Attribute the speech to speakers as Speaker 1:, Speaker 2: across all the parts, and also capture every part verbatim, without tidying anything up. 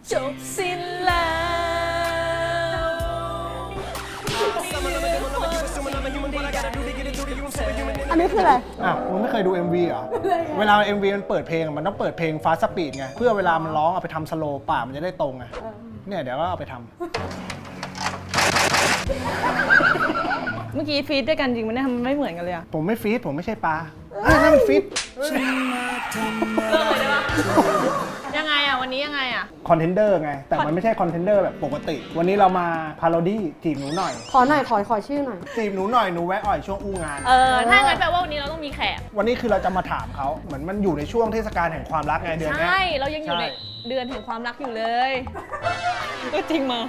Speaker 1: จบสิ้นแล้ว
Speaker 2: อันนี้คืออะไร
Speaker 3: อ้าวมึงไม่เคยดู เอ็ม วี เหรอ เวลา เอ็ม วี มันเปิดเพลงมันต้องเปิดเพลง Fast Speed ไงเพื่อเวลามันร้องเอาไปทำสโลว์ป่ามันจะได้ตรงไงเนี่ยเดี๋ยวก็เอาไปทำ
Speaker 1: เมื่อกี้ฟีดด้วยกันจริงมันเนี่ยมันไม่เหมือนกันเลยอะ
Speaker 3: ผมไม่ฟีดผมไม่ใช่ปลาอ่ะนั่นมันฟีด
Speaker 1: เลิกเลยได้ปะยังไงอะวันนี้ยังไงอะ
Speaker 3: คอนเทนเดอร์ไงแต่มันไม่ใช่คอนเทนเดอร์แบบปกติ วันนี้เรามาพาโรดี้จีบหนูหน่อย
Speaker 2: ขอหน่อยขอขอชื่อหน่อย
Speaker 3: จีบหนูหน่อยหนูแวะอ่อยช่วงอู้งาน
Speaker 1: เออถ้างั้นแปลว่าวันนี้เราต้องมีแขก
Speaker 3: วันนี้คือเราจะมาถามเขาเหมือนมันอยู่ในช่วงเทศกาลแห่งความรักไงเดือนเนี้ย
Speaker 1: ใช่เรายังอยู่ใน
Speaker 3: ใช่
Speaker 1: เดือนแห่งความรักอยู่เลยก็จริงมา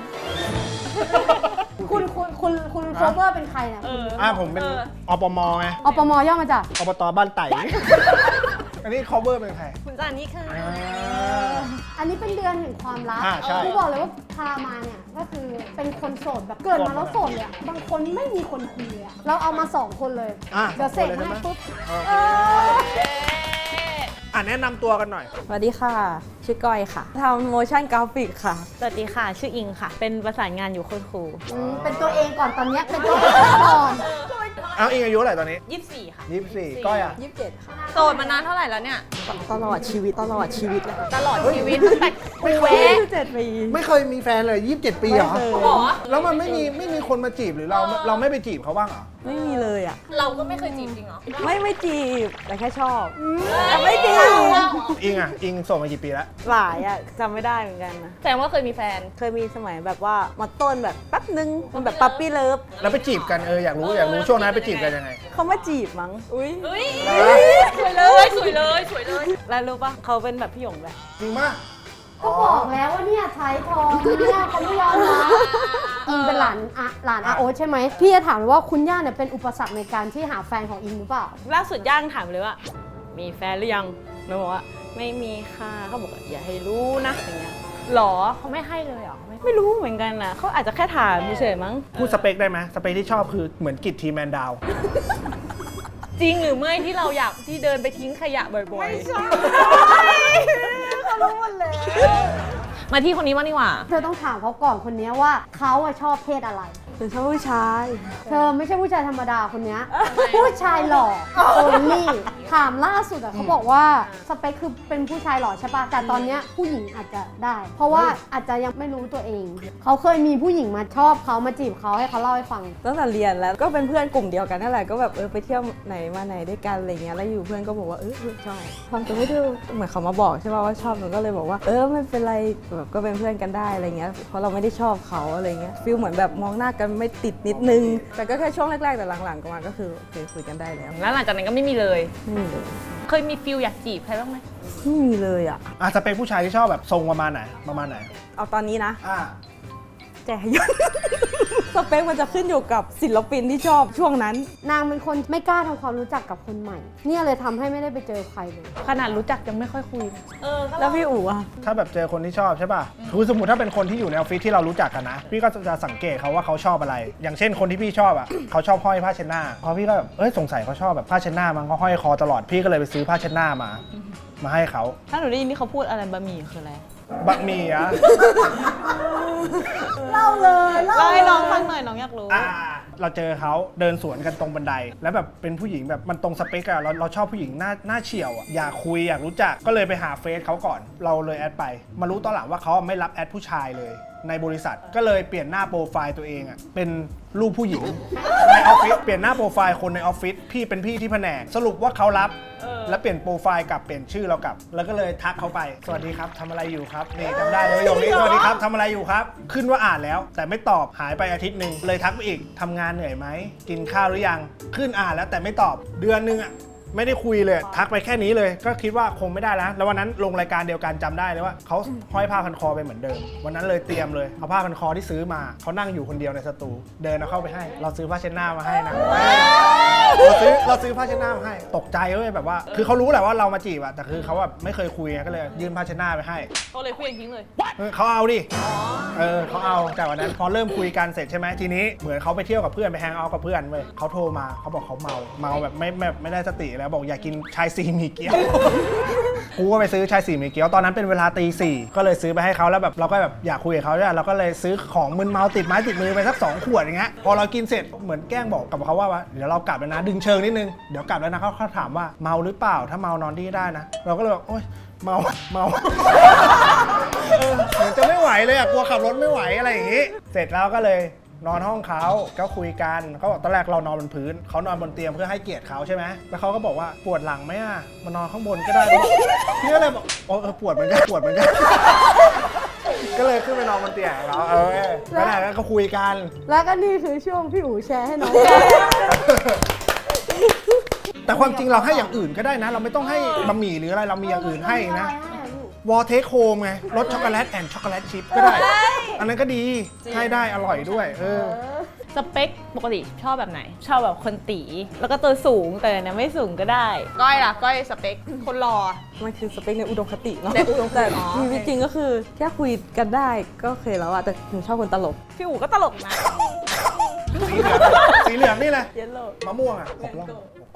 Speaker 2: คุณคุณคุณคุณโคเวอร์เป็นใครเนี่ย
Speaker 1: เออ
Speaker 3: อ่ะผมเป็น
Speaker 1: ออ
Speaker 3: อปมไง
Speaker 2: อปมย่อมาจาก
Speaker 3: อบตบ้านไต่ อันนี้ cover เป็นใคร
Speaker 1: คุณจานนี่ค่ะ
Speaker 3: อ่า
Speaker 2: อันนี้เป็นเดือนแห่งความรัก
Speaker 3: อ่าใช่
Speaker 2: กูบอกเลยว่าพามาเนี่ยก็คือเป็นคนโสดแบบเกิดมาแล้วโสดเลยอะบางคนไม่มีคนคุยเลยอะเราเอามาสองคนเลย
Speaker 3: อ่ะ
Speaker 2: เดี๋ยวเสร็จ
Speaker 3: สองคนเลย
Speaker 2: ให้
Speaker 3: ใช่ไหม
Speaker 2: ปุ๊บ
Speaker 3: โอเค
Speaker 2: เออ
Speaker 3: อ่ะแนะนำตัวกันหน่อย
Speaker 4: สวัสดีค่ะ ชื่อก้อยค่ะทำโมชั่นกราฟิกค่ะ
Speaker 1: สวัสดีค่ะ ชื่ออิงค่ะ เป็นประสานงานอยู่โคตรครู
Speaker 2: อืมเป็นตัวเองก่อนตอนเนี้ยเป็นตัวเองก่อน
Speaker 3: เอาอิงอายุเท่าไหร่ตอนนี้
Speaker 1: ยี่สิบสี่ค่ะ
Speaker 3: ยี่สิบสี่ก้อยอ่ะ
Speaker 4: ยี่สิบเจ็ดค่ะ
Speaker 1: โสดมานานเท่าไหร่แล้วเนี่ย
Speaker 4: ตลอดชีวิตตลอดชีวิตเลยค่ะ
Speaker 1: ตลอดชีวิตตั้งแต่คุยเว
Speaker 4: ยี่สิบเจ็ดปี
Speaker 3: ไม่เคยมีแฟนเลยยี่สิบเจ็ดปีเหรอ
Speaker 4: ไม่เคย
Speaker 1: หรอ
Speaker 3: แล้วมันไม่มีไม่มีคนมาจีบหรือเราเราไม่ไปจีบเขาบ้างเหรอ
Speaker 4: ไม่มีเลยอ่ะ
Speaker 1: เราก็ไม่เคยจีบจริงเหรอ
Speaker 4: ไม่ไม่จีบ แต่แค่ชอบ
Speaker 1: ไม่จีบ
Speaker 3: อิงอ่ะอิงโสดมากี่ปีแล้ว
Speaker 4: หลายอ่ะจำไม่ได้เหมือนกันนะ
Speaker 1: แสดงว่าเคยมีแฟน
Speaker 4: เคยมีสมัยแบบว่ามาต้นแบบแป๊บนึง มันแบบปั๊ปปี้เลิฟ
Speaker 3: แล้วไปจีบกันเอออยากรู้อยากรู้ช่วงนั้นไปจีบกันยังไง
Speaker 4: เขามาจีบมั้ง อุ้ย
Speaker 1: เฮ้ยสวยเลยสวยเลยสวยเลย
Speaker 4: แล้วรู้ปะเขาเป็นแบบพี่หยงแบบ
Speaker 3: จริงมาก
Speaker 2: ก็บอกแล้วว่าเนี่ยใช้ทองเนี่ยเขาไม่ยอมรับอิงเป็นหลานอะหลานอาโอ๊ตใช่ไหมพี่จะถามว่าคุณย่าเนี่ยเป็นอุปสรรคในการที่หาแฟนของอิงหรือเปล่า
Speaker 1: ล่าสุดย่างถามเลยว่า มีแฟนหรือยังหนูบอกว่า ไม่มีค่ะเขาบอกว่าอย่าให้รู้นะอย่างเงี้ยหรอเขาไม่ให้เลยเหรอไม่
Speaker 4: ไม่รู้เหมือนกันนะเขาอาจจะแค่ถามเฉยๆมั้ง
Speaker 3: พูดสเปคได้ไหมสเปคที่ชอบคือเหมือนกิจทีแมนดาว
Speaker 1: จริงหรือไม่ที่เราอยากที่เดินไปทิ้งขยะบ่อยๆ ไม่ใช่
Speaker 4: เขารู้หมดเลย
Speaker 1: มาที่คนนี้บ้างดีกว่า
Speaker 2: เธอต้องถามเขาก่อนคนนี้ว่าเขาอะชอบเพศอะไร
Speaker 4: เป็นชอบผู้ชาย
Speaker 2: เธอไม่ใช่ผู้ชายธรรมดาคนเนี้ยผู้ชายหล่อโอลี่ถามล่าสุดอะเขาบอกว่าสเปคคือเป็นผู้ชายหล่อใช่ปะแต่ตอนเนี้ยผู้หญิงอาจจะได้ เพราะว่าอาจจะยังไม่รู้ตัวเอง เขาเคยมีผู้หญิงมาชอบเขามาจีบเขาให้เขาเล่าให้ฟัง
Speaker 4: ตั้งแต่เรียนแล้วก็เป็นเพื่อนกลุ่มเดียวกันนั่นแหละก็แบบเออไปเที่ยวไหนมาไหนด้วยกันอะไรเงี้ยแล้วอยู่เพื่อนก็บอกว่าเออชอบความตัวไม่ดูเหมือนเขามาบอกใช่ป่ะว่าชอบหนูก็เลยบอกว่าเออไม่เป็นไรแบบก็เป็นเพื่อนกันได้อะไรเงี้ยเพราะเราไม่ได้ชอบเขาอะไรเงี้ยฟีลเหมือนแบบมองหน้ากันไม่ติดนิดนึงแต่ก็แค่ช่วงแรกๆแต่หลังๆก็มาก็คือโอเคคุยกันได้แล้ว
Speaker 1: แล้วหลังจากนั้นก็ไม่มีเลย
Speaker 4: ไม่มีเลย
Speaker 1: เคยมีฟิลอยากจีบใครบ้างไหม
Speaker 4: ไม่มีเลยอ่ะ
Speaker 3: อ่ะสเปคผู้ชายที่ชอบแบบทรงประมาณไหนประมาณไหน
Speaker 4: เอาตอนนี้นะ
Speaker 3: อ่า
Speaker 4: แจยน สเปคมันจะขึ้นอยู่กับศิลปินที่ชอบช่วงนั้น
Speaker 2: นางเป็นคนไม่กล้าทำความรู้จักกับคนใหม่ เนี่ยเลยทำให้ไม่ได้ไปเจอใครเลย
Speaker 1: ขนาดรู้จักยังไม่ค่อยคุยเออ
Speaker 4: แล้วพี่อู๋อะ
Speaker 3: ถ้าแบบเจอคนที่ชอบใช่ป่ะคือสมมติถ้าเป็นคนที่อยู่ในออฟฟิศที่เรารู้จักกันนะ พี่ก็จะสังเกตเขาว่าเขาชอบอะไร อย่างเช่นคนที่พี่ชอบอ่ะ เขาชอบห้อยผ้าเช็ดหน้าพอพี่ก็แบบเอ้ยสงสัยเขาชอบแบบผ้าเช็ดหน้ามันก็ห้อยคอตลอด พี่ก็เลยไปซื้อผ้าเช็ดหน้ามา มาให้เขา
Speaker 1: ถ้าหนูได้ยินที่เขาพูดอะไรบะหมี่คืออะไร
Speaker 3: บะหมี่อ่ะ
Speaker 2: เล่าเลยเล่า
Speaker 1: เล่าให้น้องฟังหน่อยน้องอยากรู้
Speaker 3: อ่าเราเจอเขาเดินสวนกันตรงบันได แล้วแบบเป็นผู้หญิงแบบมันตรงสเปกอะเราเราชอบผู้หญิงหน้าหน้าเฉียวอะอยากคุยอยากรู้จักก็เลยไปหาเฟซเขาก่อน เราเลยแอดไป มารู้ตอนหลังว่าเขาไม่รับแอดผู้ชายเลย ในบริษัทก็เลยเปลี่ยนหน้าโปรไฟล์ตัวเองอะเป็นรูปผู้หญิงในออฟฟิศเปลี่ยนหน้าโปรไฟล์คนในออฟฟิศพี่เป็นพี่ที่แผนกสรุปว่าเขารับแล้วเปลี่ยนโปรไฟล์กลับเปลี่ยนชื่อเรากลับ แล้วก็เลยทักเขาไปสวัสดีครับทำอะไรอยู่ครับนี่จำได้เลยประโยคนี้สวัสดีครับทำอะไรอยู่ครับ ขึ้นว่าอ่านแล้ว แต่ไม่ตอบหายไปอาทิตย์หนึ่งเลยทักไปอีกทำงานเหนื่อยไหมกินข้าวหรือยังขึ้นอ่านแล้วแต่ไม่ตอบเดือนนึงอะไม่ได้คุยเลยทักไปแค่นี้เลยก็คิดว่าคงไม่ได้แล้วแล้ววันนั้นลงรายการเดียวกันจำได้เลยว่าเขาห้อยผ้าพันคอไปเหมือนเดิมวันนั้นเลยเตรียมเลยเอาผ้าพันคอที่ซื้อมาเขานั่งอยู่คนเดียวในสตูเดินเอาเข้าไปให้ เราซื้อผ้าเช็ดหน้ามาให้นะเราซื้อเราซื้อผ้าเช็ดหน้ามาให้ตกใจเว้ยแบบว่าคือเขารู้แหละว่าเรามาจีบอะแต่คือเขาแบบไม่เคยคุยไงก็เลยยื่นผ้าเช็ดหน้าไปให้
Speaker 1: เขาเลยคุยทิ้งเลย
Speaker 3: เออเขาเอาดิเออเขาเอาแต่วันนั้นพอเริ่มคุยกันเสร็จใช่ไหมทีนี้เหมือนเขาไปเที่ยวกับเพื่อนไปแฮงเอาท์กับเพื่อนเว้ยเขาโทรมาเขาบอกเขาเมาเมาแบบไม่แบบไม่ได้สติแล้วบอกอยากกินชายสี่หมี่เกี๊ยว กูก็ไปซื้อชายสี่หมี่เกี๊ยวตอนนั้นเป็นเวลาตีสี่ก็เลยซื้อไปให้เขาแล้วแบบเราก็แบบอยากคุยกับเขาเนี่ยเราก็เลยซื้อของมึนเมาติดไม้ติดมือไปสักสองขวดอย่างเงี้ยพอเรากินเสร็จเหมือนแกล้งบอกกับเขาว่าว่าเดี๋ยวเรากลับแล้วนะดึงเชิงนิดนึงเดี๋ยวกลับแล้วนะเขาเขาถามว่าเมาหรือเปล่าถ้าเมานอนที่ได้นะเราก็เลยบอกโอ๊ยเมาเมา เออเหมือนจะไม่ไหวเลยอ่ะกลัวขับรถไม่ไหวอะไรอย่างงี้ เสร็จแล้วก็เลยนอนห้องเขาก็คุยกันเขาบอกตอนแรกเรานอนบนพื้นเขานอนบนเตียงเพื่อให้เกียรติเขาใช่ไหมแล้วเขาก็บอกว่าปวดหลังไหมอ่ะมานอนข้างบนก็ได้พี่ก็เลยบอกเออปวดเหมือนกันปวดเหมือนกัน ก็เลยขึ้นไปนอนบนเตียงเราเออแล้วไหนก็คุยกัน
Speaker 2: แล้วก็นี่คือช่วงพี่อู๋แชร์ให้น้อง
Speaker 3: แต่ความจริงเราให้อย่างอื่นก็ได้นะ เราไม่ต้องให้บะหมี่หรืออะไรเรามีอย่างอื่นให้นะวอลเทคโฮมไงรสช็อกโกแลตแอนด์ช็อกโกแลตชิพก็ได้ อันนั้นก็ดีให้ได้อร่อยด้วยเออ
Speaker 1: สเปคปกติชอบแบบไหน ชอบแบบคนตีแล้วก็ตัวสูงแต่เนี่ยไม่สูงก็ได้ ก้อยล่ะก้อยสเปคคนรอ
Speaker 4: มันคือสเปคในอุดมคติเนาะ
Speaker 1: ในอุดมคติ
Speaker 4: แต่
Speaker 1: อ๋อ
Speaker 4: ชีวิตจริงก็คือแค่คุยกันได้ก็โอเคแล้วอะแต่หนูชอบคนตลก
Speaker 1: พี่อู๋ก็ตลกนะ
Speaker 3: สีเหลืองสีเหลืองนี่แหละ
Speaker 4: เยลโล่
Speaker 3: มะม่วงอ่ะหกล่อง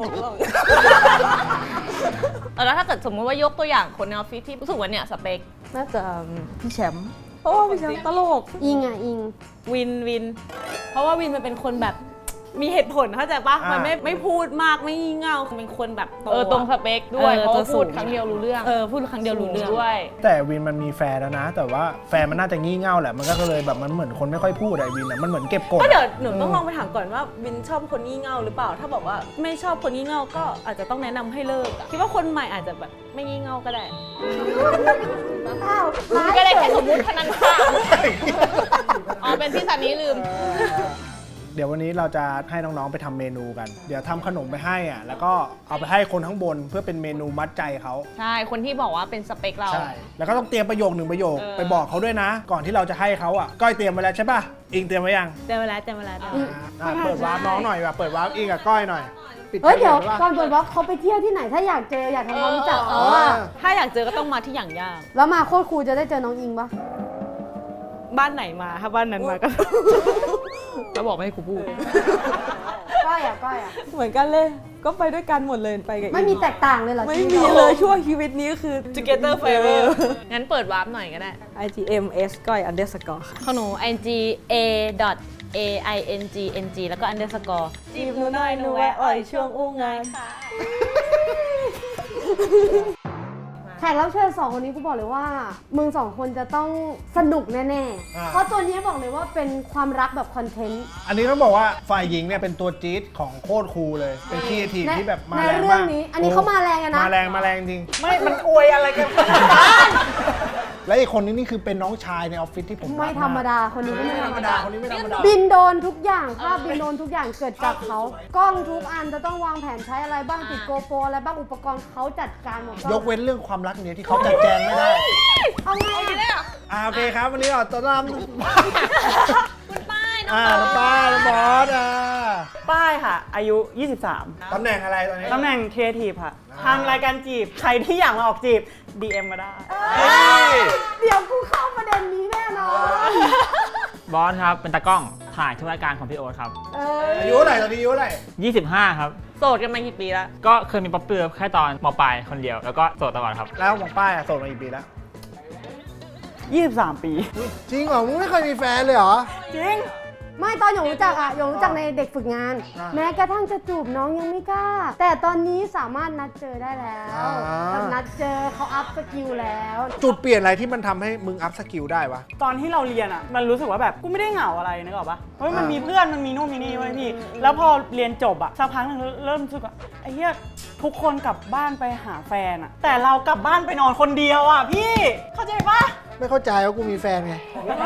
Speaker 1: แล้วถ้าเกิดสมมติว่ายกตัวอย่างคนในออฟฟิศที่รู้สึกว่าเนี่ยสเปค
Speaker 4: น่าจะพี่แชมป์เพราะว่าพี่แชมป์ตลก
Speaker 2: อิงอ่ะอิง
Speaker 1: วินวิน เพราะว่าวินมันเป็นคนแบบมีเหตุผลเข้าใจปะมันไม่ไม่พูดมากไม่งี่เง่าเป็นคนแบบเออตรงสเปคด้วยเพราะว่าพูดครั้งเดียวรู้เรื่องเออพูดครั้งเดียวรู้เรื่องด้วย
Speaker 3: แต่วินมันมีแฟนแล้วนะ แต่ว่าแฟนมันน่าจะงี่เง่าแหละมันก็เลยแบบมันเหมือนคนไม่ค่อยพูดอะวินอะมันเหมือนเก็บกด
Speaker 1: ก็เดี๋ยวหนูต้องลองไปถามก่อนว่าวินชอบคนงี่เง่าหรือเปล่า ถ้าบอกว่าไม่ชอบคนงี่เง่าก็อาจจะต้องแนะนำให้เลิกอะคิดว่าคนใหม่อาจจะแบบไม่งี่เง่าก็ได้
Speaker 2: อ้าว
Speaker 1: ก็ได้แค่สมมุติเท่านั้นค่ะอ๋อเป็นที่สันนี้ลืม
Speaker 3: เดี๋ยววันนี้เราจะให้น้องๆไปทำเมนูกัน เดี๋ยวทำขนมไปให้อ่ะแล้วก็เอาไปให้คนข้างบนเพื่อเป็นเมนูมัดใจเขา
Speaker 1: ใช่คนที่บอกว่าเป็นสเปคเรา
Speaker 3: ใช่แล้วก็ต้องเตรียมประโยคหนึ่งประโยค
Speaker 1: เออ
Speaker 3: ไปบอกเขาด้วยนะ ก่อนที่เราจะให้เขาอ่ะก้อยเตรียมไว้แล้วใช่ป่ะอิงเตรียมไว้ยัง
Speaker 1: เจอเวลาเจอเวลาเจอเวลา
Speaker 3: อ่ะเปิดวาร์ปน้องหน่อยว่ะเปิดวาร์ปอิงกับก้อยหน่อยปิ
Speaker 2: เฮ้ยเดี๋ยว
Speaker 3: ประโค
Speaker 2: ก่อนเปิดวอล์กเขาไปเที่ยวที่ไหนถ้าอยากเจออยากทำความรู้จักเขาอะ
Speaker 1: ถ้าอยากเจอก็ต้องมาที่อย่างย่าง
Speaker 2: แล้วมาโคตรครูจะได้เจอน้องอิงปะ
Speaker 1: บ้านไหนมาถ้าบ้านนั้นมาก็ แล้วบอกไม่ให้กูพูด
Speaker 2: ก้อยอ่ะก้อยอ่ะ
Speaker 4: เหมือนกันเลย ก็ไปด้วยกันหมดเลยไปกับอิง
Speaker 2: ไม่มีแตกต่างเลยเหรอ
Speaker 4: ไม่
Speaker 2: ชีวิต
Speaker 4: มี
Speaker 2: รา
Speaker 4: เลยช่วงชีวิตนี้คือ
Speaker 1: Together Forever งั้นเปิดวาร์ปหน่อยก็ได้
Speaker 4: ไอ จี เอ็ม เอส ก้อย underscore ค่ะ
Speaker 1: ของหนู i n g a dot a i n g n g แล้วก็ underscore
Speaker 4: จีบหนูหน่อยหนูแวะอ่อยช่วงอู้งาน
Speaker 2: แขกรับเชิญสองคนนี้กูบอกเลยว่ามึงสองคนจะต้องสนุกแน่
Speaker 3: อ่า
Speaker 2: ๆ เพราะตัวนี้บอกเลยว่าเป็นความรักแบบคอนเทนต์
Speaker 3: อันนี้ต้องบอกว่าฝ่ายหญิงเนี่ยเป็นตัวจี๊ดของโคตรครูเลย เป็นครีเอทีฟ
Speaker 2: ใน
Speaker 3: ที่แบบมา
Speaker 2: ใน
Speaker 3: แรง
Speaker 2: เรื่
Speaker 3: มา
Speaker 2: อง
Speaker 3: ก
Speaker 2: นี้ อันนี้เขามาแรงอะนะ
Speaker 3: มาแรงมาแรงจริง ไม่ มันอวยอะไรกัน และอีกคนนี้นี่คือเป็นน้องชายในออฟฟิศที่ผม
Speaker 2: ไม่
Speaker 3: รักก
Speaker 2: ธรรมดาคนนี้ก็
Speaker 3: ไม่
Speaker 2: ไม่
Speaker 3: ธ
Speaker 2: ธ
Speaker 3: ร
Speaker 2: ร
Speaker 3: ร
Speaker 2: ร
Speaker 3: ม
Speaker 2: ม
Speaker 3: ดา
Speaker 2: ดา
Speaker 3: คนนี้ไม่ธรรมดา
Speaker 2: บินโดนทุกอย่างภาพบินโดนทุกอย่างเกิดจากเขากล้องทุกอันจะต้องวางแผนใช้อะไรบ้างติดโกโปรอะไรบ้างอุปกรณ์เขาจัดการหมด
Speaker 3: ยกเว้นเรื่องความรักเนี่ยที่เขาจัดแจงไม่ได้
Speaker 2: เอาไงอะ
Speaker 3: อ่าโอเคครับ วันนี้เราต้อนรับ
Speaker 1: คุณป้ายน้อง
Speaker 3: อ่า
Speaker 1: บอ
Speaker 3: น้อง
Speaker 1: ส
Speaker 3: ป้าน้องบอสอ่า
Speaker 5: ป้ายค่ะ อายุ ยี่สิบสาม
Speaker 3: ตำแหน่งอะไรตอนนี้
Speaker 5: ตำแหน่งครีเอทีฟค่ะ
Speaker 3: อ่า
Speaker 5: ทำรายการจีบ ใครที่อยากมาออกจีบ ดี เอ็ม มาได้
Speaker 2: เดี๋ยวกูเข้าประเด็นนี้แน่นอน
Speaker 6: บอสครับ เป็นตากล้องถ่ายทุกรายการของพี่โอ๊ตครับ
Speaker 2: เออ
Speaker 3: อายุเท่าไหร่ตอนนี้อายุเท่าไหร่
Speaker 6: ยี่สิบห้า ครับ
Speaker 1: โสดกันมากี่ปีแล้ว
Speaker 6: ก็เคยมีป๊อปเปอร์แค่ตอนมปลายคนเดียว แล้วก็โสดตลอดครับ
Speaker 3: แล้วของป้ายอะโสดมากี่ปีแล้ว
Speaker 5: ยี่สิบสาม ปี
Speaker 3: จริงเหรอ มึงไม่เคยมีแฟนเลยเหรอ
Speaker 5: จริง
Speaker 2: ไม่ตอนหยงรู้จักอะหยงรู้จักในเด็กฝึกงาน
Speaker 3: อ่า
Speaker 2: แม้กระทั่งจะจูบน้องยังไม่กล้า แต่ตอนนี้สามารถนัดเจอได้แล้ว
Speaker 3: อ่า
Speaker 2: แบบนัดเจอเขาอัพสกิลแล้ว
Speaker 3: จุดเปลี่ยนอะไรที่มันทำให้มึงอัพสกิลได้วะ
Speaker 5: ตอนที่เราเรียนอ่ะ มันรู้สึกว่าแบบกูไม่ได้เหงาอะไรนึกออกปะเฮ้ยมัน
Speaker 3: อ่ามี
Speaker 5: มีเพื่อนมันมีนู่นมีนี่ไว้ยพี่ แล้วพอเรียนจบอ่ะสักพักหนึงเริ่มรู้สึกว่าไอ้เหี้ยทุกคนกลับบ้านไปหาแฟนอ่ะ แต่เรากลับบ้านไปนอนคนเดียวอ่ะพี่ เข้าใจปะ
Speaker 3: ไม่เข้าใจว่ากูมีแฟนไง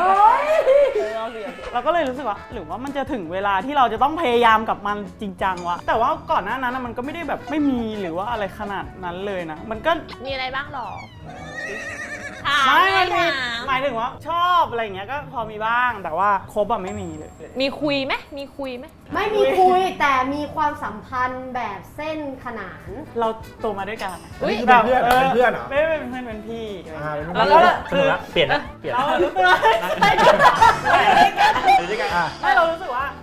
Speaker 5: เราก็เลยรู้สึกว่าหรือว่ามันจะถึงเวลาที่เราจะต้องพยายามกับมันจริงจังวะแต่ว่าก่อนหน้านั้นนะมันก็ไม่ได้แบบไม่มีหรือว่าอะไรขนาดนั้นเลยนะ มันก็
Speaker 1: มีอะไรบ้างหรอ
Speaker 5: ไม่มันมี
Speaker 1: ถาม
Speaker 5: หมายถึงว่าชอบอะไรอย่างเงี้ยก็พอมีบ้างแต่ว่าครบอะไม่มีเลย
Speaker 1: มีคุยไหมมีคุยไหม
Speaker 2: ไม่มีคุยแต่มีความสัมพันธ์แบบเส้นขนาน
Speaker 5: เราโตมาด้วยกัน
Speaker 3: อันนี้คือเป็นเพื่อนเหรอเป็นเพื่อนเหรอ
Speaker 5: ไม่ไม่เป็นเพื่อนเป็นพี่
Speaker 3: อ่าเป็น
Speaker 5: แล้ว
Speaker 3: เพื่อน
Speaker 5: ก็
Speaker 6: ส
Speaker 5: คื
Speaker 6: นุ
Speaker 5: อก
Speaker 6: ละเปลี่ยนนะเปลี่ยน
Speaker 5: เรารู้สึกว่า
Speaker 6: อยู่ด้วยกัน
Speaker 3: อ่ะ
Speaker 5: ไม่เรารู้สึกว่า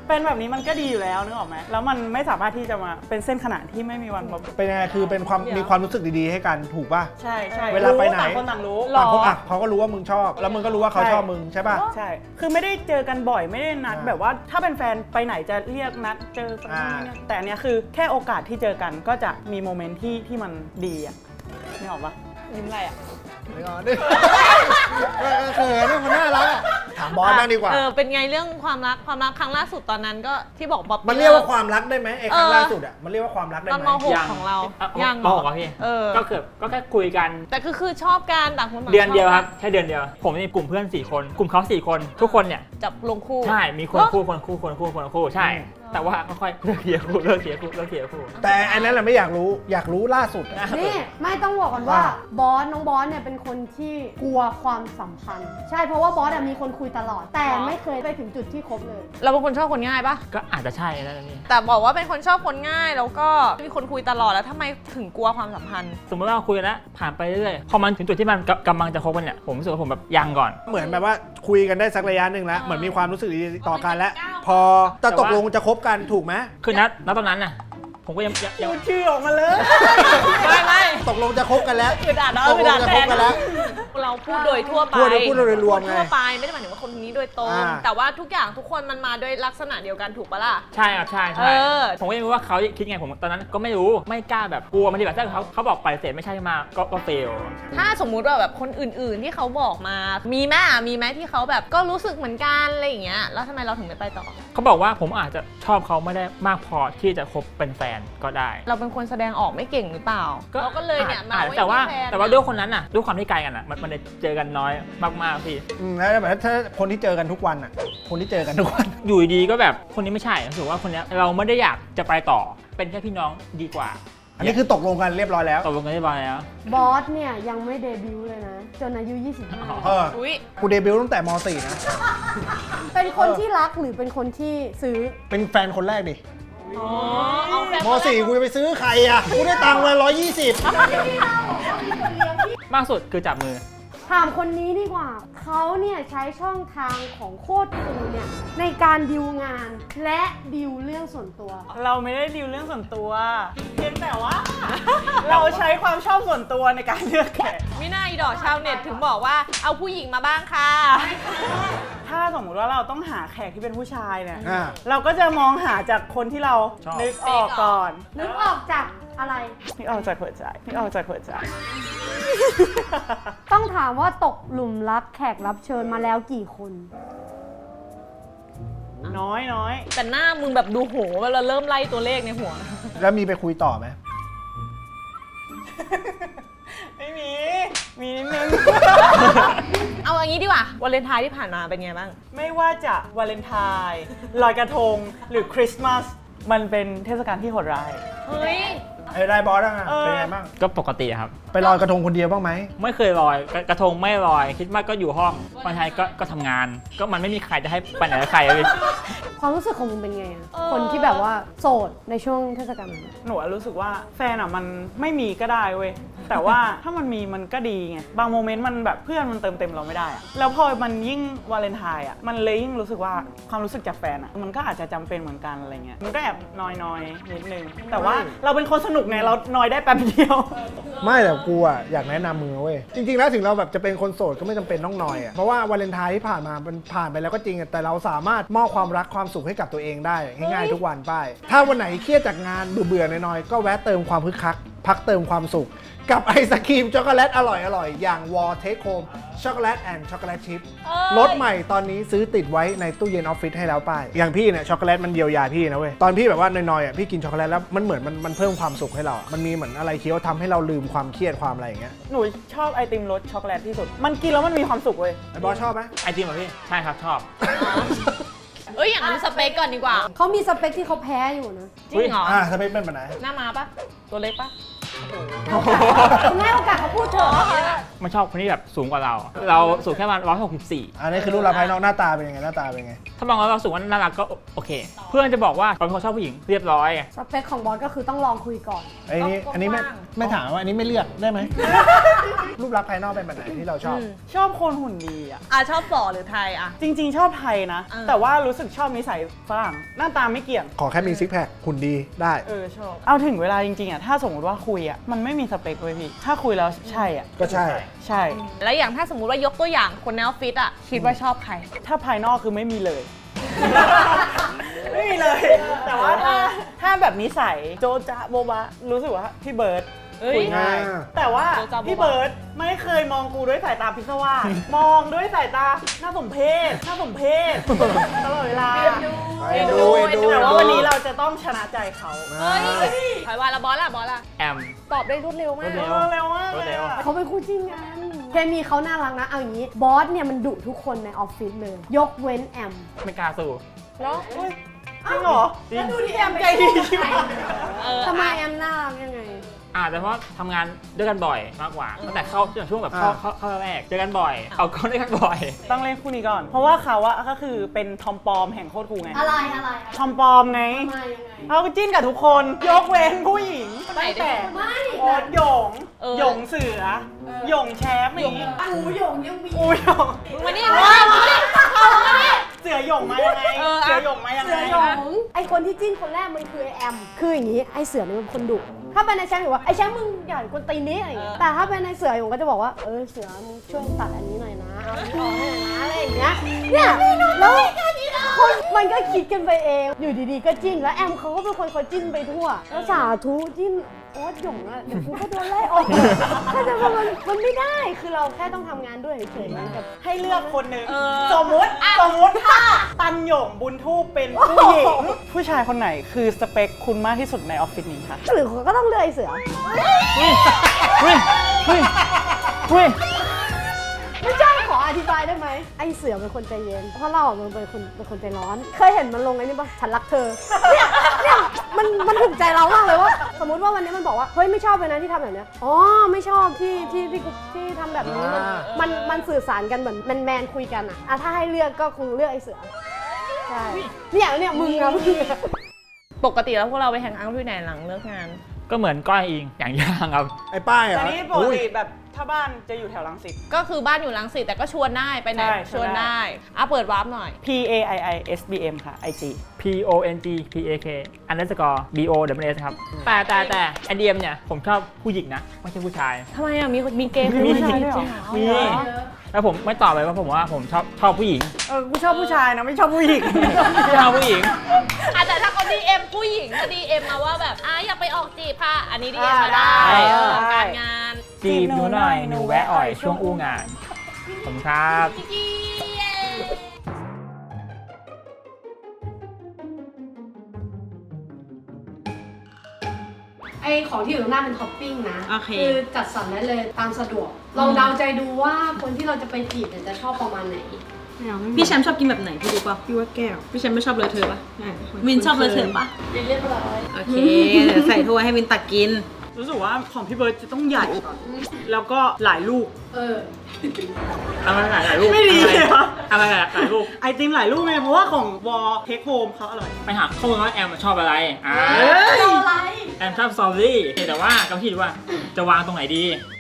Speaker 5: เป็นแบบนี้มันก็ดีอยู่แล้วนึกออกไหมแล้วมันไม่สามารถที่จะมาเป็นเส้นขนานที่ไม่มีวันแบบ
Speaker 3: เป็นยังไงคือเป็นความมีความรู้สึกดีๆให้กันถูกป่ะ
Speaker 5: ใช่ใช่
Speaker 3: เวลาไปไหน
Speaker 5: ต่างคนต่างรู้
Speaker 3: ต่างคนอ่ะเขาก็รู้ว่ามึงชอบ แล้วมึงก็รู้ว่าเขา
Speaker 5: ใช่
Speaker 3: ชอบมึงใช่ป่ะ
Speaker 5: ใช่ คือไม่ได้เจอกันบ่อยไม่ได้นัด
Speaker 3: อ่า
Speaker 5: แบบว่าถ้าเป็นแฟนไปไหนจะเรียกนัดเจอกัน
Speaker 3: อ่า
Speaker 5: เนี่ยแต่อันเนี้ยคือแค่โอกาสที่เจอกันก็จะมีโมเมนต์ที่ที่มันดีอ่ะนึกออกปะ
Speaker 1: ยิ้มอะไรอ่ะ
Speaker 3: ไม่งอนดิเออเขินมันน่ารักอะถามบอสบ้างดีกว่า
Speaker 1: เออเป็นไงเรื่องความรักความรักครั้งล่าสุดตอนนั้นก็ที่บอกบ๊อบ
Speaker 3: มันเรียกว่าความรักได้ไหมไอ้ครั้ง
Speaker 1: เออ
Speaker 3: ล่าสุดอ่ะมันเรียกว่าความรักได้
Speaker 1: ตอน
Speaker 3: ไห
Speaker 1: ม
Speaker 3: ม
Speaker 1: หก
Speaker 6: ยัง
Speaker 1: ของเรา
Speaker 6: อ่ะ
Speaker 1: ยัง
Speaker 6: มหกอะพี่
Speaker 1: เออ
Speaker 6: ก็เกือบก็แค่คุยกัน
Speaker 1: แต่คือคือชอบกันต่างคนต่าง
Speaker 6: เดือนเดียว
Speaker 1: ช
Speaker 6: ครับแค่เดือนเดียว ผมมีกลุ่มเพื่อนสี่คน กลุ่มเขาสี่คน ทุกคนเนี่ย
Speaker 1: จับลงคู่
Speaker 6: ใช่มีคน
Speaker 1: เหรอ
Speaker 6: คู่คนคู่คนคู่คนคู่ใช่ แต่ว่าค่อยๆเลิกเทียร์คู่เลิกเทียร์คู่เลิกเทียร์คู่
Speaker 3: แต่อันนั้นแหละไม่อยากรู้อยากรู้ล่าสุดอะ
Speaker 2: นี่ไม่ต้องบอกก่อนว่า
Speaker 3: ว่า
Speaker 2: บอสน้องบอสเนี่ยเป็นคนที่กลัวความสัมพันธ์ ใช่เพราะว่าบอสอะมีคนคุยตลอด แต่ไม่เคยไปถึงจุดที่คบเลย
Speaker 1: เราเป็นคนชอบคนง่ายปะ
Speaker 6: ก็อาจจะใช่แล้วนี่
Speaker 1: แต่บอกว่าเป็นคนชอบคนง่ายแล้วก็มีคนคุยตลอดแล้วทำไมถึงกลัวความสัมพันธ์
Speaker 6: สมมติว่าเราคุยกันแล้วผ่านไปเรื่อยๆพอมันถึงจุดที่มันกำลังจะคบกันเนี่ยผมรู้สึกว่าผมแบบยังก่อน
Speaker 3: เหมือนแบบว่าคุยกันได้สักระยะหนึ่งแล้วเหมือนมีความรู้สึกดีต่อกันแล้ว พอจะ
Speaker 6: แต่
Speaker 3: ต
Speaker 6: ว่า
Speaker 3: กลงจะคบกันถูกไหม
Speaker 6: คือนัดณตอนนั้นน่ะผมก็ยังยังยัง
Speaker 5: พูดชื่อออกมาเลย
Speaker 1: ไม่ไม่
Speaker 3: ตกลงจะคบกันแล้ว
Speaker 1: คือด่าเนาะ
Speaker 3: ตก
Speaker 1: คือ
Speaker 3: ลง
Speaker 1: ด่า
Speaker 3: จะ
Speaker 1: แท
Speaker 3: คบ
Speaker 1: น
Speaker 3: กันแล้ว
Speaker 1: เราพูดโดยทั่วไป
Speaker 3: พูดโดยพูดโดยรวมไง
Speaker 1: ทั่วไปไม่ได้หมายถึงว่าคนนี้โดยตรง
Speaker 3: อ่า
Speaker 1: แต่ว่าทุกอย่างทุกคนมันมาด้วยลักษณะเดียวกันถูกปะล่ะ
Speaker 6: ใช่ครับใช่ใช่
Speaker 1: เออ
Speaker 6: ผมก็ยังไม่รู้ว่าเขาคิดไงผมตอนนั้นก็ไม่รู้ไม่กล้าแบบกลัวมันดีแบบถ้าเขาเขาบอกไปเสร็จไม่ใช่มาก็ก็เฟล
Speaker 1: ถ้าสมมุติว่าแบบคนอื่น ๆที่เขาบอกมา มีไหมอ่ะมีไหมที่เขาแบบก็รู้สึกเหมือนกันอะไรอย่างเงี้ยแล้วทำไมเราถึงไม่ไปต่อ
Speaker 6: เขาบอกว่าผมอาจจะชอบเขาไม่ได้มากพอที่จะคบเป็นแฟนก็ได้
Speaker 1: เราเป็นคนแสดงออกไม่เก่งหรือเปล่าเราก็เลยเนี่ยมา
Speaker 6: อาจ
Speaker 1: ไว้
Speaker 6: แต่ว่า
Speaker 1: ที่ฟน
Speaker 6: แต่ว่าด้วยคนนั้นน่ะด้วยความที่ไกลกันอ่ะมันมันได้เจอกันน้อยมากๆพี่
Speaker 3: อืมแล้วแบบถ้าคนที่เจอกันทุกวันอ่ะ คนที่เจอกันทุกวัน
Speaker 6: อยู่ดีๆก็แบบคนนี้ไม่ใช่รู้สึกว่าคนเนี้ยเราไม่ได้อยากจะไปต่อเป็นแค่พี่น้องดีกว่า
Speaker 3: อันนี้คือตกลงกันเรียบร้อยแล้ว
Speaker 6: ตกลงกันเรียบร้อยแล้ว
Speaker 2: บอสเนี่ยยังไม่เดบิวต์เลยนะ จนอายุ ยี่สิบห้า
Speaker 3: เออ
Speaker 1: อุ้ย
Speaker 3: กูเดบิวต์ตั้งแต่ม .สี่ นะ
Speaker 2: เป็นคนที่รักหรือเป็นคนที่ซื้อ
Speaker 3: เป็นแฟนคนแรกดิ
Speaker 1: อ๋อเอาแฟน
Speaker 3: ม .สี่ กูจะไปซื้อใครอ่ะ กูได้ตังค์มาร้อยยี่สิบ
Speaker 6: มากสุดคือจับมือ
Speaker 2: ถามคนนี้ดีกว่า เขาเนี่ยใช้ช่องทางของโคตรคูลเนี่ยในการดิวงานและดิวเรื่องส่วนตัว
Speaker 5: เราไม่ได้ดิวเรื่องส่วนตัวเพียงแต่ว่า เราใช้ความชอบส่วนตัวในการเลือกแขก
Speaker 1: มิน่าอีดอกชาวเน็ตถึงบอกว่าเอาผู้หญิงมาบ้างค่ะ
Speaker 5: ถ้าสมมติว่าเราต้องหาแขกที่เป็นผู้ชายเนี่ย
Speaker 3: อ่า
Speaker 5: เราก็จะมองหาจากคนที่เรา
Speaker 6: ชอบ
Speaker 5: นึกออกก่อน
Speaker 2: นึกออกจากอะไร
Speaker 5: นึกออกจากหัวใจนึกออกจากหัวใจ
Speaker 2: ต้องถามว่าตกหลุมรักแขกรับเชิญมาแล้วกี่คน
Speaker 5: น้อยน้อย
Speaker 1: แต่หน้ามึงแบบดูโหเวลาเริ่มไล่ตัวเลขในหัว
Speaker 3: แล้วมีไปคุยต่อไหม
Speaker 5: ไม่มี มีนิดนึง
Speaker 1: เอาอย่างนี้ดีกว่าวาเลนไทน์ที่ผ่านมาเป็นไงบ้าง
Speaker 5: ไม่ว่าจะวาเลนไทน์ลอยกระทง หรือคริสต์มาส มันเป็นเทศกาลที่โหดร้าย
Speaker 1: เฮ้ย
Speaker 3: ไอ้ได้บอสอ่ะ
Speaker 5: เออ
Speaker 3: เป็นไงบ้าง
Speaker 6: ก็ปกติครับ
Speaker 3: ไปลอยกระทงคนเดียวบ้างไหม
Speaker 6: ไม่เคยลอยกระกระทงไม่ลอย คิดมากก็อยู่ห้องวันไทยก็ก็ทำงาน ก็มันไม่มีใครจะให้ไปไหนกับใครอะพี่
Speaker 2: ความรู้สึกของมึงเป็นไงอะ
Speaker 1: เออ
Speaker 2: คนที่แบบว่าโสดในช่วงเทศกาลนั้น
Speaker 5: หนูอะรู้สึกว่าแฟนอ่ะมันไม่มีก็ได้เว้ย แต่ว่าถ้ามันมีมันก็ดีไง บางโมเมนต์มันแบบเพื่อนมันเติมเต็มเราไม่ได้อะแล้วพอมันยิ่งวาเลนไทน์อ่ะ มันเลยยิ่งรู้สึกว่าความรู้สึกจากแฟนอ่ะ มันก็อาจจะจำเป็นเหมือนกันอะไรเงี้ย มันก็แอบนอยๆนิดนึง แต่ว่าเราเป็นคนสนุกไง เรานอยได้แป๊บเดียว
Speaker 3: ไม่แต่กูอ่ะอยากแนะนำมึงนะเว้ย จริงๆแล้วถึงเราแบบจะเป็นคนโสดก็ไม่จำเป็นต้องนอยอ่ะ เพราะว่าวาเลนไทน์ที่ผ่านมามันผ่านไปแล้วก็จริงอะแต่เราสามารถมอบความรักความสุขให้กับตัวเองได้ง่ายๆทุกวันไป ถ้าวันไหนเครียดจากงานเบื่อๆน้อยๆก็แวะเติมความคึกคัก พักเติมความสุข กับไอศครีมช็อกโกแลตอร่อยๆ อย่าง Wall Take Home ช็อกโกแลตแอนด์ช็อกโกแลตชิพ
Speaker 1: เอ้ย
Speaker 3: รสใหม่ตอนนี้ซื้อติดไว้ในตู้เย็นออฟฟิศให้แล้วป้ายอย่างพี่เนี่ยช็อกโกแลตมันเยียวยาพี่นะเว้ยตอนพี่แบบว่านอยๆอ่ะพี่กินช็อกโกแลตแล้วมันเหมือนมันมันเพิ่มความสุขให้เราอะมันมีเหมือนอะไรเคี้ยวทำให้เราลืมความเครียดความอะไรอย่างเงี้ย
Speaker 5: หนูชอบไอติมรสช็อกโกแลตที่สุด มันกินแล้วมันมีความสุขเว้ย
Speaker 3: ไอ้บอสชอบไหม
Speaker 6: ไอติมเหรอพี่ ใช่ครับชอบ
Speaker 1: เอ้ยอย่างนั้นสเปคก่อนดีกว่า
Speaker 2: เขามีสเปคที่เขาแพ้อยู่นะ
Speaker 1: จริงเหรอ
Speaker 3: อ่าสเปคเป็นแบบไหน
Speaker 1: หน้ามาปะตัวเล็กปะ
Speaker 2: คุณให้โอกาสเขาพูดเถอะ
Speaker 6: มันชอบคนที่แบบสูงกว่าเรา เราสูงแค่ประมาณร้อยหกสิบสี่
Speaker 3: อันนี้คือรูปลักษณ์ภายนอกหน้าตาเป็นยังไงหน้าตาเป็นยังไง
Speaker 6: ถ้ามองแล้วเราสูงว่าน่ารักก็โอเค เพื่อนจะบอกว่าเราเป็นคนชอบผู้หญิงเรียบร้อย
Speaker 2: สเปคของบอสก็คือต้องลองคุยก่อน
Speaker 3: ไอ้นี่อันนี้ไม่ไม่ถามว่าอันนี้ไม่เลือกได้ไหม รูปลักษณ์ภายนอกเป็นแบบไหนที่เราชอบ
Speaker 5: ชอบคนหุ่นดีอ่ะ
Speaker 1: อ่ะชอบฝอหรือไทยอ่ะ
Speaker 5: จริง ๆ ชอบไทยนะ
Speaker 1: เออ
Speaker 5: แต่ว่ารู้สึกชอบนิสัยฝรั่งหน้าตาไม่เกี่ยง
Speaker 3: ขอแค่มีซิกแพคหุ่นดีได้
Speaker 5: เออชอบ เอาถึงเวลาจริงๆอ่ะถ้าสมมติว่าคุยอ่ะมันไม่มีสเปคเลยพี่ ถ้าคุยแล้วใช่อ่ะ
Speaker 3: ก็ใช่
Speaker 5: ใช่
Speaker 1: แล้วอย่างถ้าสมมุติว่ายกตัวอย่างคนในออฟฟิศอ่ะคิดว่าชอบใคร
Speaker 5: ถ้าภายนอกคือไม่มีเลย ไม่มีเลย แต่ว่าถ้าถ้าแบบนิสัยโจจ๊ะโบบะรู้สึกว่าพี่เบิร์ด
Speaker 1: เอ้ย
Speaker 5: คุยง่าย
Speaker 3: อ่า
Speaker 5: แต่ว่า
Speaker 1: โจจ๊ะโบ๊ะบะ
Speaker 5: พี่เบิร์ดไม่เคยมองกูด้วยสายตาพิศวาส มองด้วยสายตาน่าสมเพชน่าสมเพชตลอดเวลา
Speaker 3: เอ็นดูเอ็นดู
Speaker 5: แต่ว่าวันนี้เราจะต้องชนะใจเขา
Speaker 1: เฮ้ยถอยว่าละบอสละบอสละ
Speaker 6: แอม
Speaker 1: ตอบได้รวดเร็วมาก
Speaker 6: รวดเร็ว
Speaker 5: เออเร็วมาก
Speaker 6: รวดเร็ว
Speaker 5: ลยอะ
Speaker 2: เขาเป็นคู่จริงกันเคมีเขาน่ารักนะ เอาอย่างนี้ บอสเนี่ยมันดุทุกคนในออฟฟิศเลย ยกเว้นแอม
Speaker 6: ไม่กล้าสู้
Speaker 1: เนาะ
Speaker 5: เฮ้ยจริงเหรอ
Speaker 6: จริง
Speaker 5: ดูดิแอมใจดีชิบหาย
Speaker 1: เออ
Speaker 2: ทำไมแอมน่ารักยังไง
Speaker 6: อาจจะเพราะทำงานด้วยกันบ่อยมากกว่าตั้งแต่เข้าช่วงแบบเข้า
Speaker 3: อ่า
Speaker 6: เข้าเข้าแรกเจอกันบ่อย เอาก็ด้วยกันบ่อย
Speaker 5: ต้องเล่นคู่นี้ก่อน เพราะว่าเขาอะก็คือเป็นทอมปอมแห่งโคตรคูลไง
Speaker 2: อะไรอะไร
Speaker 5: ทอมปอมไง
Speaker 2: ทำไมยังไง
Speaker 5: เขาก็จิ้นกับทุกคน ยกเว้นผู้หญิง
Speaker 1: ไหน
Speaker 5: ตั้ง
Speaker 1: ดิ
Speaker 5: แต่
Speaker 2: ไม่
Speaker 5: โอ๊ตหยง
Speaker 1: เออ
Speaker 5: หยงเสือหยงแชมป์อย่างงี้
Speaker 2: อูหยงยังมี
Speaker 5: อูหยง
Speaker 1: มึงมานี่มานี่มานี่
Speaker 5: เสือหยงมายังไง
Speaker 1: เอออะ
Speaker 5: เสือหยงมายัง
Speaker 2: เสื
Speaker 5: ไง
Speaker 2: อหยงไอคนที่จิ้นคนแรกมันคือไอแอม คืออย่างนี้ไอเสือเนี่ยมันคนดุถ้าเป็นไอแชมป์อยู่ว่าไอแชมป์มึงอย่าคนตีนี้อะไรอย่างเงี้ยแต่ถ้าเป็นไอเสืออยู่ก็จะบอกว่าเออเสือมึงช่วยตัดอันนี้หน่อยนะเอาอันนี้ออกให้หน่อยนะอะไรอย่างเงี้ยเนี่ยแล้วคนมันก็คิดกันไปเองอยู่ดีๆก็จิ้นแล้วแอมเขาก็เป็นคนคอยจิ้นไปทั่วแล้วสาธุจิ้นโอ๊ตหยงอะเดี๋ยวกูก็โดนไล่ออกถ้าจะว่ามันมันไม่ได้คือเราแค่ต้องทำงานด้วยเฉยๆมันแบบ
Speaker 5: ให้เลือกคนหนึ่ง
Speaker 1: เออ
Speaker 5: สมมุติสมมุติถ้าตันหยงบุญทูปเป็นผู้หญิง ผู้ชายคนไหนคือสเปคคุณมากที่สุดในออฟฟิศนี้คะ
Speaker 2: หรือก็ต้องเลือกไอเสือ
Speaker 6: เฮ้ย เฮ้ย เฮ้ย เฮ้ย
Speaker 2: ไม่ใช่ขออธิบายได้ไหมไอเสือเป็นคนใจเย็นเพราะเราอะมันเป็นคนเป็นคนใจร้อน เคยเห็นมันลงไอ้นี่ปะฉันรักเธอเนี่ยเนี่ยมันมันถูกใจเรามากเลยว่าสมมติว่าวันนี้มันบอกว่าเฮ้ยไม่ชอบเลยนะที่ทำแบบเนี้ยอ๋อไม่ชอบที่ที่ที่กูที่ทำแบบนี้มัน
Speaker 3: อ่า
Speaker 2: มันมันสื่อสารกันเหมือนแมนแมนๆคุยกันอะอะถ้าให้เลือกก็คงเลือกไอเสือใช่เนี่ยเนี่ยมึงอะมึงอะ
Speaker 1: ปกติแล้วพวกเราไปแฮงเอาท์ที่ไหนหลังเลิกงาน
Speaker 6: ก็เหมือนก้อยอิงอย่างย่างครับ
Speaker 3: ไอ้ป้ายเหรอ
Speaker 5: แต่นี่ปก
Speaker 3: อุ้ย
Speaker 5: ติแบบถ้าบ้านจะอยู่แถวรังสิต
Speaker 1: ก็คือบ้านอยู่รังสิตแต่ก็ชวนได้ไปไหน
Speaker 5: ใช่
Speaker 1: ชวน
Speaker 5: ชวนได้
Speaker 1: ได้อ่ะเปิดวาร์ปหน่อย
Speaker 5: P A I I S B M ค่ะ ไอ จี
Speaker 6: P O N G P A K underscore B O W S ครับ แต่แต่แต่ไอเดียมเนี่ย ผมชอบผู้หญิงนะ ไม่ใช่ผู้ชาย
Speaker 1: ทำไมอ่ะมีมีเกย์
Speaker 6: มี
Speaker 1: ผู้ชายด้วยเหรอ
Speaker 6: มี แล้วผมไม่ตอบไปว่าผมว่าผมชอบชอบผู้หญิง
Speaker 5: เออ กูชอบผู้ชายนะ ไม่ชอบผู้หญิง
Speaker 6: ไม่ชอบผู้หญิง
Speaker 1: อ่ะแต่ถ้าเขา ดี เอ็ม ผู้หญิงก็ ดี เอ็ม มาว่าแบบอ่ะอยากไปออกจีบค่ะ อันนี้ ดี เอ็ม มาได้
Speaker 5: ได้
Speaker 1: เออการงาน
Speaker 6: จีบหนูหน่อย หนูแวะอ่อยช่วงอู้งาน ผมครับ
Speaker 2: ไอของที่อยู่ตรงหน้าเป็นท็อปปิ้งนะ
Speaker 1: โอเค
Speaker 2: คือจัดสรรได้เลยตามสะดวก ลองเดาใจดูว่าคนที่เราจะไปจีบเนี่ยจะชอบประมาณไหน
Speaker 7: พี่แชมป์ชอบกินแบบไหนพี่รู้ป่ะพี่ว่าแก้ว พี่แชมป์ไม่ชอบเลยเธอป่ะวินชอบเลยเธอป่ะ
Speaker 2: เรียบร้อย
Speaker 7: โอเคเดี๋ยวใส่ถ้วยให้วินตักกิน
Speaker 5: รู้สึกว่าของพี่เบิร์ดจะต้องใหญ่ก่อนแล้วก็หลายลูก
Speaker 2: เออ
Speaker 6: อะไรหลายรูป
Speaker 5: ไม่ดีเลยวะ
Speaker 6: อะไรหลายรูป
Speaker 5: ไอติมหลายลูกไงเพราะว่าของวอลเทคโฮมเขาอร่อย
Speaker 6: ไปหาข้อมูลว่าแอมชอบอะไร อ่า
Speaker 5: เฮ้ย
Speaker 2: อะไร
Speaker 6: แอมชอบสตรอเบอรี่แต่ว่ากำลังคิดว่าจะวางตรงไหนดี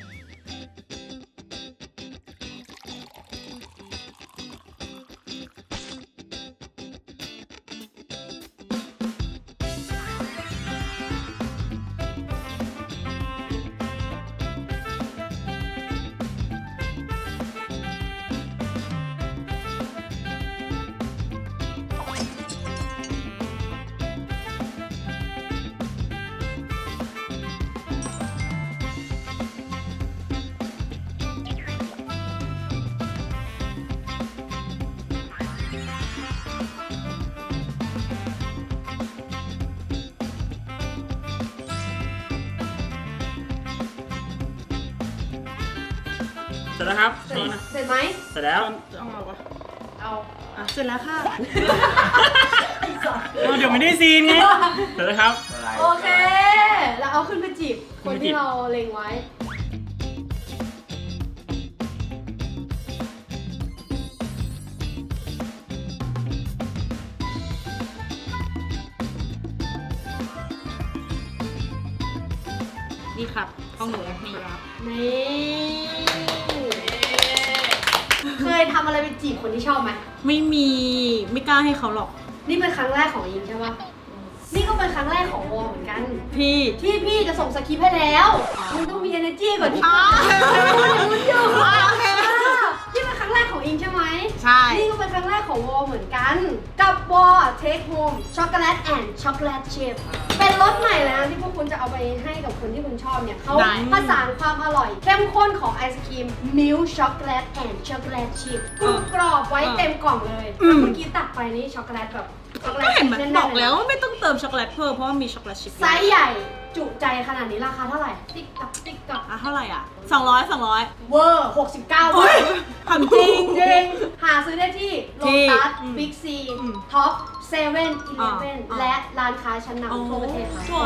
Speaker 6: เสร็จแล้วครับ
Speaker 2: เสร็จเสร็จไหม
Speaker 6: เสร็จแล้ว
Speaker 5: เอามาวะ
Speaker 2: เอา
Speaker 5: อ่ะเสร็จแล้วค่ะเอาเดี๋ยวไม่ได้ซีนไง
Speaker 6: เสร็จแล้วครับ
Speaker 2: โอเค แล้วเอาขึ้นไปจีบคนที่เราเล็งไว้
Speaker 7: นี่ครับของหนูนี่
Speaker 2: นี่ เคยทำอะไรไปจีบคนที่ชอบไหม
Speaker 7: ไม่มีไม่กล้าให้เขาหรอก
Speaker 2: นี่เป็นครั้งแรกของอิงใช่ปะนี่ก็เป็นครั้งแรกของวอเหมือนกัน
Speaker 7: พี่
Speaker 2: ที่พี่จะส่งสคริปต์ให้แล้วมึงต้องมี energy ก่อนที่มึงอยู่นี่เป็นครั้งแรกของอิงใช่ไหม
Speaker 7: ใช่
Speaker 2: นี่ก็เป็นครั้งแรกของวอเหมือนกัน กับวอ Take Home Chocolate and Chocolate Chip เป็นรสใหม่แล้วที่พวกคุณจะเอาไปให้กับคนที่คุณชอบเนี่ยเขาผสานความอร่อย เข้มข้นของไอศครีม Milk Chocolate and Chocolate Chip กรุบกรอบไว้เต็มกล่องเลยแล้วเมื่อกี้ตักไปนี่ช็อกโกแลตแบบช็อกโกแล
Speaker 7: ก็
Speaker 2: ต
Speaker 7: เห็นมัน
Speaker 2: แน่น
Speaker 7: บอก
Speaker 2: ๆ
Speaker 7: แล้วว่าไม่ต้องเติมช็อกโกแลตเพิ่มเพราะว่ามีช็อกโกแลตชิพ
Speaker 2: ไซส์ใหญ่จุใจขนาดนี้ราคาเท่าไหร่ ติ๊กตักติ๊กตัก
Speaker 7: อ่ะเท่าไหร่อ่ะสองร้อยสองร้อย
Speaker 2: เวอร์หกสิบเก้า
Speaker 7: โอ้
Speaker 2: บาย ท
Speaker 7: ทำจริง
Speaker 2: จริงหาซื้อได้ที่โล
Speaker 7: ที่
Speaker 2: ตัส
Speaker 7: อืม
Speaker 2: บิ๊กซี
Speaker 7: อืม
Speaker 2: ท็อปเซเว่นอีเล
Speaker 7: อ่า
Speaker 2: ฟเว่น
Speaker 7: อ่า
Speaker 2: และร้านค้าชั้น
Speaker 7: อ๋อน
Speaker 2: ำทั่วประเทศค่ะ
Speaker 7: ทั่ว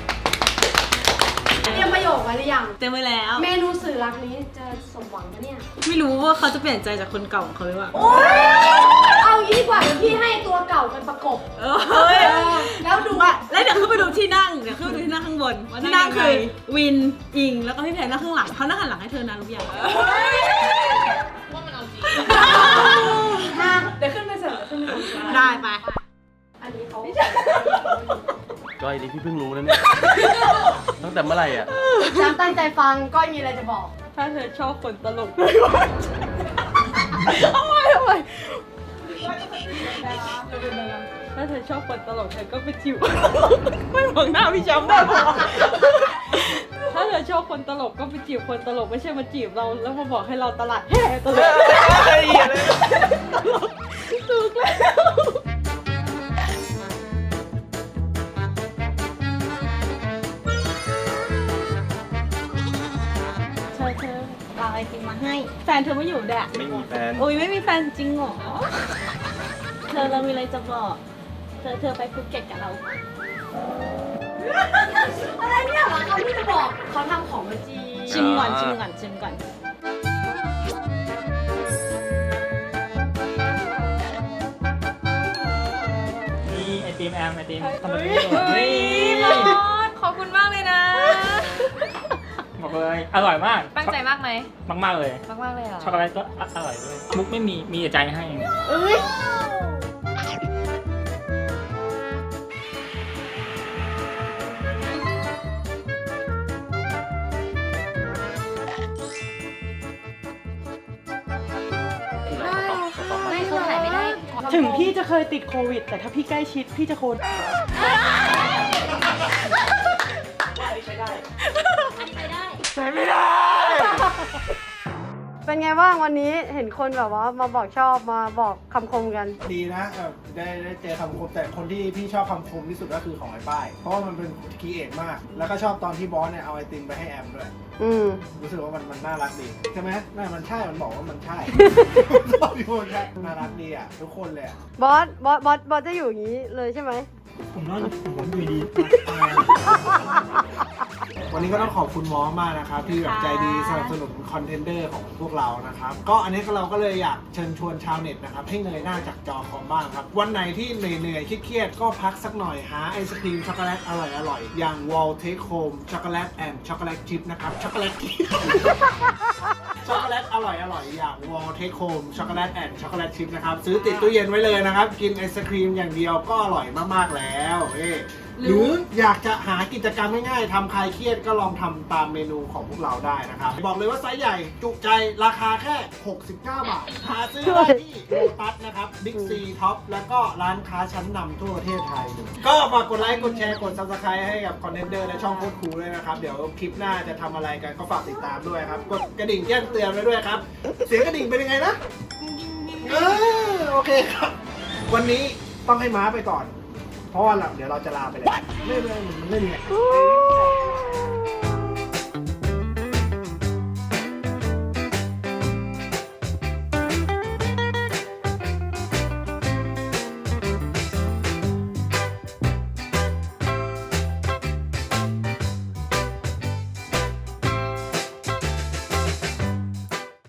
Speaker 2: เตรียมประโยคไว้หรือยัง
Speaker 7: เต็มไปแล้ว
Speaker 2: เมนูสื่อรักนี้จะสมหวังปะเนี่ย
Speaker 7: ไม่รู้ว่าเขาจะเปลี่ยนใจจากคนเก่าของเขาหรือเปล่า
Speaker 2: เอางี้ดีกว่าเดี๋ยวพี่ให้ตัวเก่าเป็นประกบ
Speaker 7: เออเฮ้ย
Speaker 2: เออแล้วดู
Speaker 7: ว่าแล้วเดี๋ยวขึ้นไปดูที่นั่งเดี๋ยวขึ้นไปดูที่นั่งข้างบนที่นั่งคือวินอิงแล้วก็พี่แพนนั่งข้างหลังเขานั่งหันหลังให้เธอนะรู้ยัง
Speaker 2: มาเดี๋ยวขึ้นไปเสิร์ฟขึ้นไปเสิร์ฟ
Speaker 7: ได้ไป
Speaker 2: อันนี้เขา
Speaker 8: ก้อยนี่พี่เพิ่งรู้นะเนี่ย ตั้งแต่เมื่อไหร่อ่ะ
Speaker 2: จำตั้งใจฟังก้อยมีอะไรจะบอก
Speaker 4: ถ้าเธอชอบคนตลกเลยว่าทำไมทำไมถ้าเธอชอบคนตลกเธอก็ไปจิ๋วไม่มองหน้าพี่แชมป์ได้หรอถ้าเธอชอบคนตลกก็ไปจีบคนตลกไม่ใช่มาจีบเราแล้วมาบอกให้เราตลาดแห่ตลกถูกแล้วเธอเธอเอาไอติมมาให้แฟนเธอไม่อยู่แดะ
Speaker 8: ไม่มีแฟน
Speaker 4: โอ้ยไม่มีแฟนจริงเหรอ เธอเรามีอะไรจะบอก เธอเธอไปภูเก็ตกับเรา
Speaker 2: อะไรเนี่ยเหรอเขาที่จะบอกเขาทำของมาจี
Speaker 4: ชิมก่อนชิมก่อนชิมก่อน
Speaker 6: นี่ไอติมแอมไอติมทำแบบ
Speaker 4: เฮ้
Speaker 6: นี้
Speaker 4: ย
Speaker 6: นี่
Speaker 4: บอสขอบคุณมากเลยนะ
Speaker 6: บอกเลยอร่อยมาก
Speaker 4: ตั้งใจมากไหม
Speaker 6: มากมากๆเลย
Speaker 4: มากมากเลยเหรอ
Speaker 6: ช็อกโกแลตก็อร่อยด้วยมุกไม่มีมีแต่ใจให้
Speaker 4: ไม่เขาถ่ายไม่ได้
Speaker 5: ถึงพี่จะเคยติดโควิด แต่ถ้าพี่ใกล้ชิดพี่จะโคน
Speaker 2: เป็นไงบ้างวันนี้เห็นคนแบบว่ามาบอกชอบมาบอกคำคมกัน
Speaker 3: ดีนะแบบได้ได้เจอคำคมแต่คนที่พี่ชอบคำคมที่สุดก็คือของไอ้ป้าย เพราะว่ามันเป็นคีเอทมาก แล้วก็ชอบตอนที่บอสเนี่ยเอาไอติมไปให้แอมด้วย
Speaker 2: อืม
Speaker 3: รู้สึกว่ามันมันน่ารักดีใช่ไหมน่ามันใช่ มันบอกว่ามันใช่ ชอบอยู่ใช่น่ารักดีอ่ะทุกคนเลยอ่ะ
Speaker 2: บอส บอส บอส บอสจะอยู่อย่างนี้เลยใช่ไหม
Speaker 3: ผมว่าผมดูดี วันนี้ก็ต้องขอบคุณมอสมากนะครับ ที่แบบใจดีสนับสนุนคอนเทนเดอร์ของพวกเรานะครับ ก็อันนี้เราก็เลยอยากเชิญชวนชาวเน็ตนะครับ ให้เงยหน้าจากจอคอมบ้างครับ วันไหนที่เหนื่อยๆเครียดๆก็พักสักหน่อยหาไอศครีมช็อกโกแลตอร่อยๆ อย่าง Wall Take Home ช็อกโกแลตแอนด์ช็อกโกแลตชิพนะครับช็อกโกแลต ช็อกโกแลตอร่อยอร่อยอย่าง Wall Take Home ช็อกโกแลตแอนด์ช็อกโกแลตชิพนะครับซื้อติดตู้เย็นไว้เลยนะครับ กินไอศครีมอย่างเดียวก็อร่อยมากๆแล้วเอ้หรืออยากจะหากิจกรรมง่ายๆทำคลายเครียดก็ลองทำตามเมนูของพวกเราได้นะครับ บอกเลยว่าไซส์ใหญ่จุใจราคาแค่ หกสิบเก้า บาท หาซื้อได้ที่โลตัสนะครับบิ๊กซีท็อปแล้วก็ร้านค้าชั้นนำทั่วประเทศไทยเลยก็ฝากกดไลค์กดแชร์กด ซับสไครบ์ ให้กับคอนเทนเดอร์และช่องโคตรคูลด้วยนะครับ เดี๋ยวคลิปหน้าจะทำอะไรกันก็ฝากติดตามด้วยครับ กดกระดิ่งแจ้งเตือนไว้ด้วยครับ เสียงกระดิ่งเป็นยังไงนะเออโอเคครับ วันนี้ต้องให้ม้าไปก่อน เพราะว่าเราเดี๋ยวเราจะลาไปเลยไม่ไม่มันไม่มี